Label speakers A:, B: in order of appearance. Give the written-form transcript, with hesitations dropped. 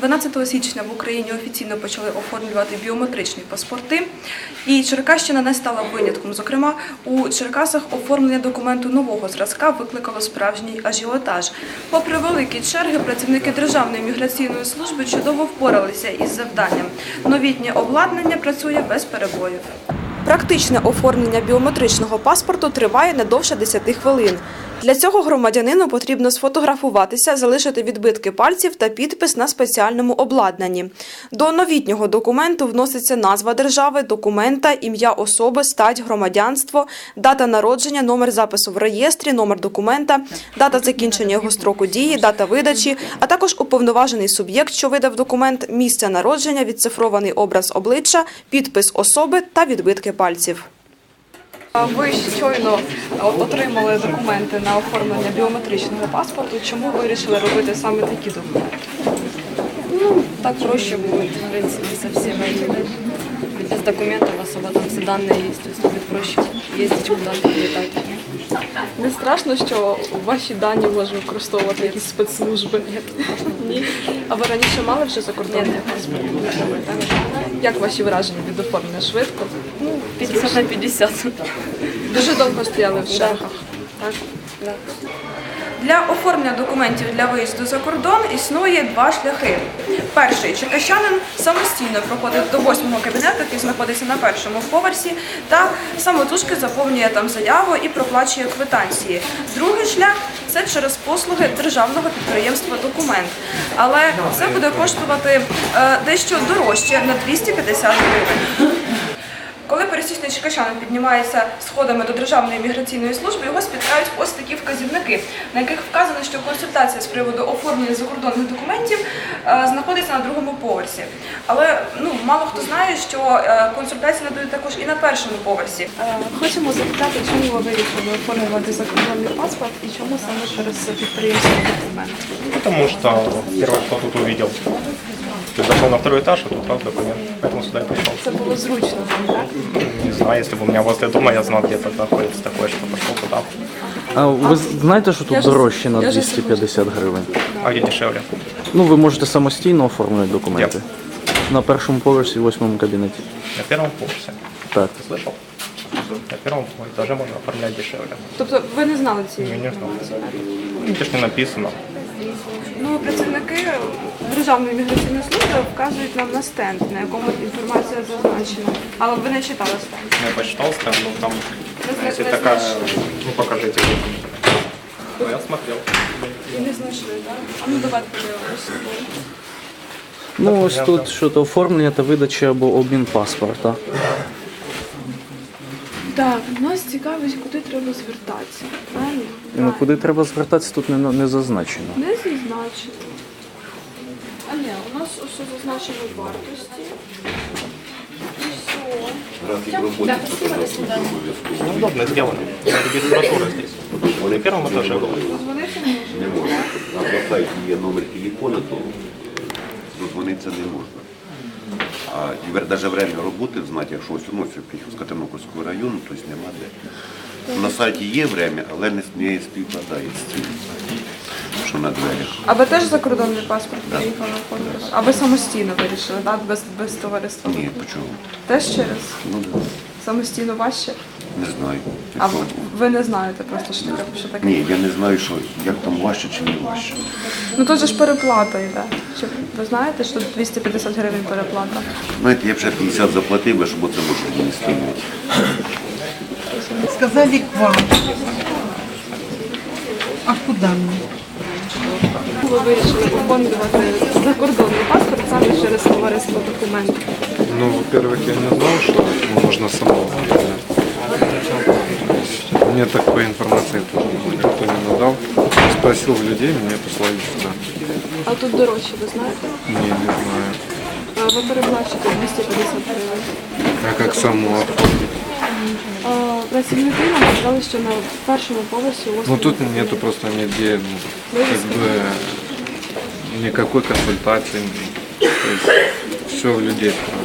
A: 12 січня в Україні офіційно почали оформлювати біометричні паспорти, і Черкащина не стала винятком. Зокрема, у Черкасах оформлення документу нового зразка викликало справжній ажіотаж. Попри великі черги, працівники Державної міграційної служби чудово впоралися із завданням. Новітнє обладнання працює без перебоїв. Практичне оформлення біометричного паспорту триває не довше 10 хвилин. Для цього громадянину потрібно сфотографуватися, залишити відбитки пальців та підпис на спеціальному обладнанні. До новітнього документу вноситься назва держави, документа, ім'я особи, стать, громадянство, дата народження, номер запису в реєстрі, номер документа, дата закінчення його строку дії, дата видачі, а також уповноважений суб'єкт, що видав документ, місце народження, відцифрований образ обличчя, підпис особи та відбитки пальців. Ви щойно отримали документи на оформлення біометричного паспорту. Чому ви вирішили робити саме такі документи?
B: Ну, так проще будет, в принципе, со всем этим. Ведь без документов особо там все данные есть, то есть будет проще ездить куда-то, летать.
A: Не страшно, що ваші дані можуть використовувати якісь спецслужби? Ні. А ви раніше мали вже закордонний паспорт? Як ваші враження від оформлення? Швидко?
B: Ну, 50 на 50.
A: Дуже довго стояли в чергах? Так?
B: Да.
A: Для оформлення документів для виїзду за кордон існує два шляхи. Перший – черкащанин самостійно проходить до 8-го кабінету, який знаходиться на першому поверсі, та самотужки заповнює там заяву і проплачує квитанції. Другий шлях – це через послуги державного підприємства «Документ». Але це буде коштувати дещо дорожче – на 250 гривень. Коли пересічний черкащанин піднімається сходами до Державної міграційної служби, його спіткають ось такі вказівники, на яких вказано, що консультація з приводу оформлення закордонних документів знаходиться на другому поверсі. Але мало хто знає, що консультації надають також і на першому поверсі. Хочемо запитати, чому ви вирішили оформлювати закордонний паспорт і чому саме через підприємство «Документ»?
C: Потому что первое, кто тут увидел. Ты зашел на второй этаж, а тут раз документ, поэтому сюда и пришел.
A: Це було зручно, так?
C: Не знаю, если бы у меня возле дома, я знал, где это находится такое, что пошел туда.
D: А ви знаєте, що тут дорожче на 250 гривень?
C: А где дешевле?
D: Ну, ви можете самостійно оформити документи. На першому поверсі, в 8-му кабінеті.
C: На первом поверсе.
D: Так.
C: Ты слышал? На первом этаже можно оформлять дешевле.
A: Тобто ви не знали цієї
C: Я не знал.
A: інформації?
C: Ну, это ж не написано.
A: Працівники Державної міграційної служби вказують нам на стенд, на якому інформація зазначена. Але ви не читали стенд.
C: Я почитал стенд, но там, если
A: не
C: такая,
A: знайшли.
C: покажите. Ну, я смотрел.
A: І не знайшли, так? А ну давайте подивимося.
D: Ну, ось тут що-то оформлення та видача або обмін паспорта.
A: Так, нас цікавить, куди треба звертатися. Правильно?
D: Ну, куди треба звертатися, тут не зазначено.
A: Не зазначено. А ні, у нас ось зазначено вартості. І все.
C: Удобно сделано. Регистратура здесь. На первом этаже была.
A: Дозвонитися не можна.
E: Не можна. На сайті є номер телефону, то дозвонитися не можна. А навіть время роботи знати, якщо ось з Катеринопольського району, то нема де. На сайті є время, але не співпадає з цим, що на дверях.
A: А ви теж закордонний паспорт приїхали оформити? А ви самостійно вирішили, так? Без товариства?
E: Ні, почому?
A: Теж через?
E: Ну, да.
A: Самостійно важче?
E: Не знаю.
A: А ви не знаєте просто, що таке?
E: Ні, я не знаю, як там важче чи не важче.
A: Ну тут же ж переплата йде. Ви знаєте, що 250 гривень переплата?
E: Знаєте, я б ще 50 заплатив, би, щоб оце можна не стримувати.
F: Сказали к вам. А куда мне?
A: Ви вирішили оформлювати закордонний паспорт саме через товариство «Документ».
G: Ну, во-первых, я не знал, что можно самому. Мне такой информации тоже никто не надал. Спросил у людей, меня послали сюда.
A: А тут дорожче, ви знаєте?
G: Не знаю.
A: Ви переплачуєте 250 гривень.
G: А как саму оформить?
A: Працівники нам сказали, що на першому поверсі у вас...
G: Ну, тут нету просто нигде, как бы, никакой консультации. То есть все в людей.